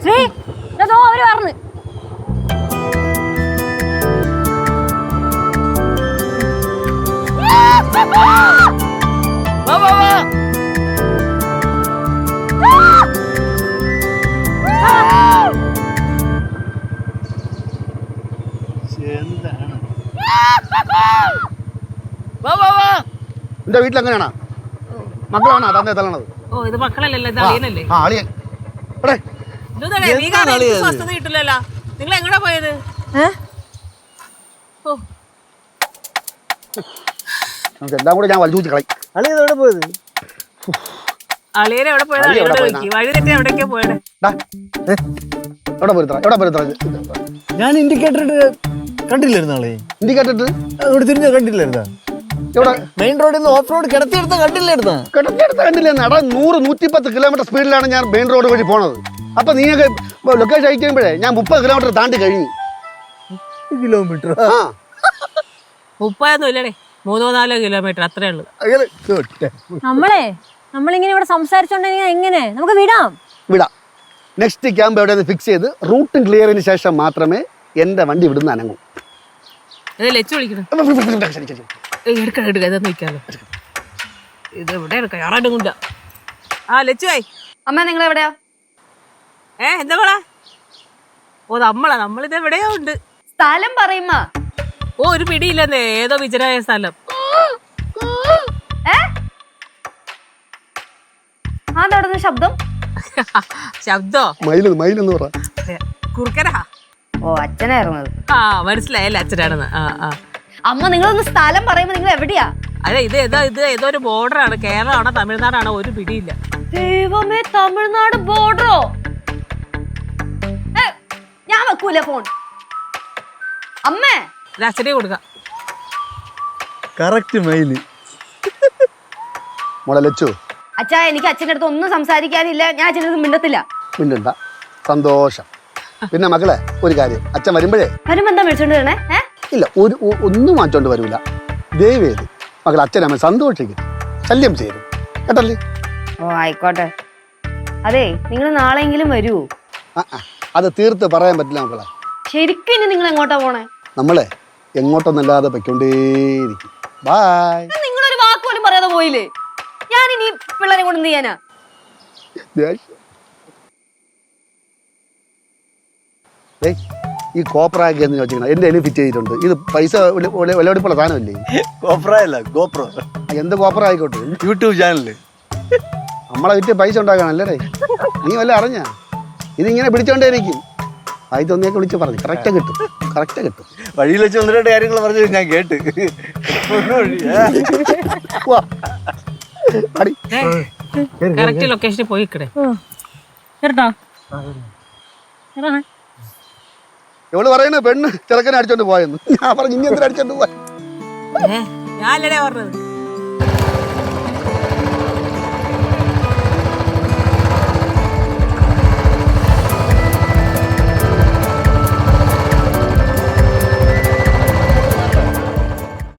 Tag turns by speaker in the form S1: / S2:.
S1: ശ്രീ അതോ അവര് പറഞ്ഞു
S2: എന്റെ വീട്ടിൽ എങ്ങനെയാണോ മക്കളാണോ തന്നെ തള്ളണത്?
S3: ഓ ഇത് മക്കളല്ലല്ലോ ഇത് അളിയനല്ലേ. സ്വസ്ഥത കിട്ടില്ലല്ലോ. നിങ്ങൾ എങ്ങടാ പോയത്?
S2: എല്ലാം കൂടെ ഞാൻ വലിച്ചു കളയും.
S4: അളിയെവിടെ പോയത്?
S3: അളിയനെ എവിടെ പോയത്? വഴി തെറ്റി എവിടേക്കോ പോയത്.
S4: ഞാൻ ഇൻഡിക്കേറ്റർ കണ്ടില്ലായിരുന്നു ആളെ.
S2: ഇൻഡിക്കേറ്റർ
S4: അവിടെ തിരിഞ്ഞ കണ്ടില്ലായിരുന്നാ? മെയിൻ റോഡിൽ നിന്ന് ഓഫ് റോഡ് കിടത്തിയെടുത്ത കണ്ടില്ലായിരുന്നാ?
S2: കണ്ടില്ലായിരുന്നു. 100-110 കിലോമീറ്റർ സ്പീഡിലാണ് ഞാൻ മെയിൻ റോഡ് വഴി പോണത്. അപ്പൊ നിങ്ങൾക്ക് ലൊക്കേഷൻ അയക്കുമ്പോഴേ ഞാൻ 30 കിലോമീറ്റർ താണ്ടി കഴിഞ്ഞു.
S4: കിലോമീറ്റർ
S3: 30 ഇല്ലടേ, 3-4 കിലോമീറ്റർ അത്രേ ഉള്ളു.
S1: നമ്മളിങ്ങനെ ഇവിടെ സംസാരിച്ചോണ്ടെങ്കിൽ എങ്ങനെ നമുക്ക് വിടാം?
S2: നെക്സ്റ്റ് ക്യാമ്പ് എവിടെ ഫിക്സ് ചെയ്ത് റൂട്ടും ക്ലിയറിന് ശേഷം മാത്രമേ എന്റെ വണ്ടി ഇവിടുന്ന് അനങ്ങൂ.
S3: ലച്ചു വിളിക്കണം. ഇത് എവിടെ കയറാണ്ടുമില്ല. ആ ലച്ചുവായി
S1: അമ്മ നിങ്ങൾ എവിടെയാ?
S3: എന്താ മോളാ? ഓ നമ്മളിത് എവിടെയോ ഉണ്ട്.
S1: സ്ഥലം പറയുമ്പോ
S3: ഓ ഒരു പിടിയില്ലെന്നേ, ഏതോ വിജനായ സ്ഥലം.
S1: ശബ്ദം
S3: ശബ്ദോ
S2: മയിലെന്ന് പറ.
S3: കുറുക്കനാ.
S1: ഓ അച്ഛനായിരുന്നത്.
S3: ആ മനസ്സിലായല്ലേ അച്ഛനാണെന്ന്.
S1: അമ്മ നിങ്ങളൊന്ന് സ്ഥലം പറയുമ്പോ നിങ്ങൾ എവിടെയാ?
S3: അതെ ഇത് ഏതോ ഒരു ബോർഡറാണ്. കേരളമാണോ തമിഴ്നാടാണോ ഒരു പിടിയില്ല.
S1: ദൈവമേ, തമിഴ്നാട് ബോർഡറോ? ഞാൻ വെക്കൂല ഫോൺ. അമ്മേ
S3: അച്ഛനെ കൊടുക്കാം.
S4: കറക്റ്റ് മയില്.
S2: മോളെ ലച്ചു,
S1: അച്ഛാ എനിക്ക് അച്ഛൻ്റെ അടുത്ത് ഒന്നും സംസാരിക്കാനില്ല. ഞാൻ അച്ഛൻ്റെ അടുത്ത് മിണ്ടത്തില്ല.
S2: മിണ്ടണ്ട, സന്തോഷം. പിന്നെ മക്കളെ ഒരു കാര്യം, അച്ഛൻ വരുമ്പോഴേ
S1: വരുമ്പോ എന്താ വിളിച്ചോണ്ട് വരണേ?
S2: ഇല്ല ഒന്നും മാറ്റോണ്ട് വരൂല. ദയവേത് മകൾ അച്ഛനമ്മ സന്തോഷിക്കും, ശല്യം ചെയ്യും കേട്ടല്ലേ?
S1: ഓ ആയിക്കോട്ടെ. അതെ നിങ്ങൾ നാളെയെങ്കിലും വരൂ.
S2: അത് തീർത്ത് പറയാൻ പറ്റില്ല മക്കളെ.
S1: ശരിക്കും ഇനി നിങ്ങൾ എങ്ങോട്ടാ പോണേ?
S2: നമ്മളെ എങ്ങോട്ടൊന്നല്ലാതെ പൊയ്ക്കൊണ്ടേയിരിക്കും. ബൈ.
S1: നിങ്ങളൊരു വാക്ക് പോലും പറയാതെ പോയില്ലേ? ഞാൻ ഇനി പിള്ളേരെ കൊണ്ട് എന്ത് ചെയ്യാനാ?
S2: ഈ കോപ്രാക്കി എന്ന് ചോദിച്ചാൽ എന്റെ അതിന് ഫിറ്റ് ചെയ്തിട്ടുണ്ട്. ഇത് പൈസ വിലപിടിപ്പുള്ള സാധനമല്ലേ?
S4: കോപ്രയല്ല ഗോപ്രോ.
S2: എന്ത് കോപ്ര ആയിക്കോട്ടെ,
S4: യൂട്യൂബ് ചാനല്.
S2: നമ്മളെ വിറ്റ് പൈസ ഉണ്ടാക്കാനല്ലേ? നീ വല്ല അറിഞ്ഞ ഇതിങ്ങനെ പിടിച്ചോണ്ടേയിരിക്കും. ആയിരത്തൊന്നിയൊക്കെ വിളിച്ച് പറഞ്ഞു കറക്റ്റ് കിട്ടും.
S4: വഴിയിൽ വെച്ച് 1-2 കാര്യങ്ങൾ പറഞ്ഞു ഞാൻ കേട്ട്.
S3: കറക്റ്റ് ലൊക്കേഷനിൽ പോയി കിടേ.
S2: എവള് പറയുന്നത് പെണ്ണ് ചെറുക്കനെ അടിച്ചോണ്ട് പോയെന്ന്. ഞാൻ പറഞ്ഞു ഇനി എന്തിനാ അടിച്ചോണ്ട് പോയ?
S3: ഞാനല്ലേ പറഞ്ഞത്.